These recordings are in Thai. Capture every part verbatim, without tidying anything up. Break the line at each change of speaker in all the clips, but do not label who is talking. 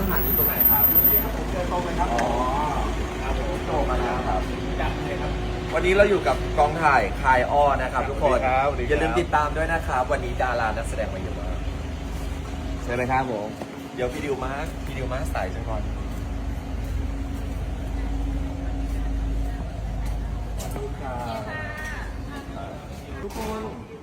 หารอยู่ตรงไหนครับเจอตรงเลยครับอ๋อครับผมโตมาแล้วครับจัดเลยครับวันนี้เราอยู่กับกองถ่ายคายอ้อนะครับทุกคนอย่าลืมติดตามด้วยนะครับวันนี้ดารานักแสดงมาเยอะมากเชิญเลยครับผมเดี๋ยวพี่ดิวมาร์คพี่ดิวมาร์คสายจังก่อนทุกคน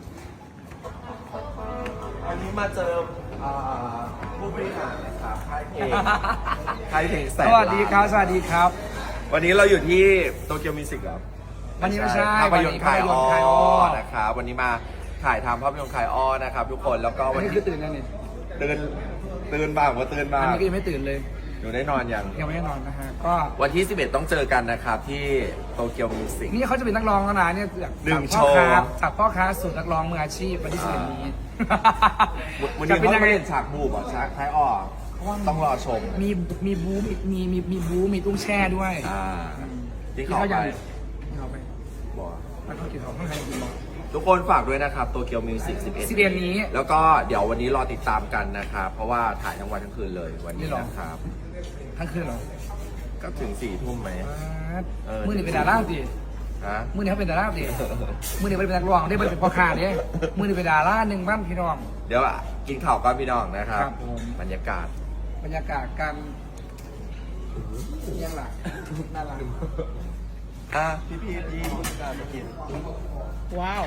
วันนี้มาเจอผู้บริหารนะครับค่ายเพลงค่ายเพลงแสน
สวัสดีครับสวัสดีครับ
วันนี้เราอยู่ที่โตเกียวมิวสิกครับ
วันนี้ไม่ใช่
ภาพยนตร์คายอ้อ
ภาพยนตร์คายอ้อ
นะครับวันนี้มาถ่ายทำภาพยนตร์คายอ้อนะครับทุกคนแล้วก็
อั
วัน น
นี้
นี้
คือตื่นยังนี่
ตื่นตื่นบ้างว่าตื่นบ้า
อัน
ง
นี้ก็ยังไม่ตื่นเลย
อยู่ได้นอนยัง
ยังไม่ได้นอนนะฮะก็
วันที่สิบเอ็ดต้องเจอกันนะครับที่โตเกียวมิวสิก
นี่เขาจะเป็นนักร้องแล้วนะเนี่ยจาก
หนึ่ง
จากพ่อค้า
โชว์
จากพ่อค้าสู่นักร้องมืออาชีพวันที่สิบเอ็ดนี้
วัน
จะ
นี้
เป็น
เขา
ยังไง
ไม่เล่นฉากบูบอ่ะฉากคายอ้อต้องรอชม
มีมีบูมีมีมีมีบูมีตุ้งแช่ด้วย
อ่าที่
ที่
เขา
เขา
ไป
ยังที่เขาไป
บอก
มันเขากินของข้างในกินบอก
ทุกคนฝากด้วยนะครับโตเกียวมิวสิกสิบเอ็ด
สิบเอ็ดนี้
แล้วก็เดี๋ยววันนี้รอติดตามกันนะครับเพราะว่าถ่ายทั้งวันทั้งคืนเลยวันนี้นะครับ
ทั้งคืนเหรอ
ก็ถึงสี่ทุ่มไหม เออ
มือนี่เป็นดาราดิ
ฮะ
มือนี่เขาเป็นดาราดิมือนี่เป็นนักร้องได้เป็นพ่อค้าเนี่ยมือนี่เป็นดาราหนึ่งบ้านพี่น้อง
เดี๋ยวอ่ะกินข้าวก่อนพี่น้องนะครับ
ครับผม
บรรยากาศ
บรรยากาศการยังหลักน่ารัก
อ่ะพี่พี่พี่การมากิน
ว้าว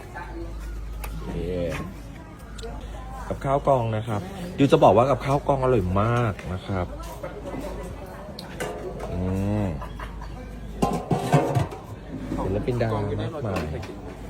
กับข้าวกองนะครับดิวจะบอกว่ากับข้าวกองอร่อยมากนะครับอืมศิลปินดารามากมาย